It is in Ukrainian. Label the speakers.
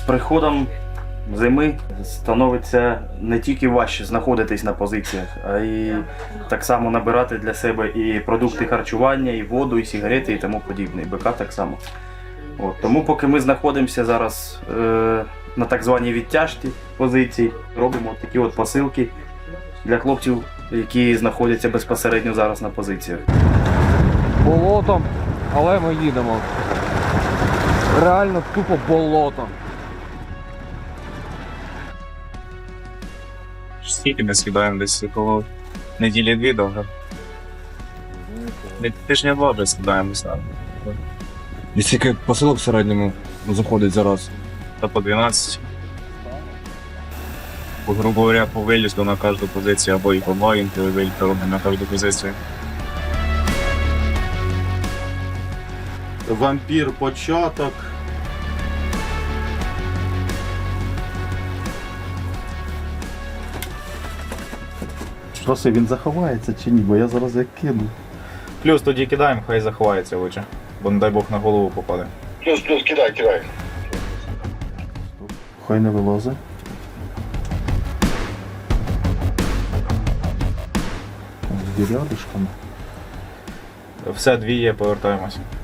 Speaker 1: приходом зими становиться не тільки важче знаходитись на позиціях, а й так само набирати для себе і продукти харчування, і воду, і сигарети, і тому подібне. І БК так само. От. Тому поки ми знаходимося зараз на так званій відтяжці позиції, робимо такі от посилки для хлопців, які знаходяться безпосередньо зараз на позиціях.
Speaker 2: Болотом, але ми їдемо. Реально тупо болотом.
Speaker 3: Скільки ми скидаємо десь коло неділі-дві довго. Тижня два вже скидаємося.
Speaker 2: І скільки посилок в середньому заходить зараз?
Speaker 3: Та по 12. Грубо говоря, по вилізду на кожну позицію, або і по маленькій вилізду робимо на кожну позицію.
Speaker 4: Вампір початок. Що це, він заховається чи ні? Бо я зараз як кину.
Speaker 3: Плюс тоді кидаємо, хай заховається лучше, бо не дай Бог на голову попаде.
Speaker 5: Плюс, кидай.
Speaker 4: Хай не вилазить. З рядишками.
Speaker 3: Все, дві є, повертаємось.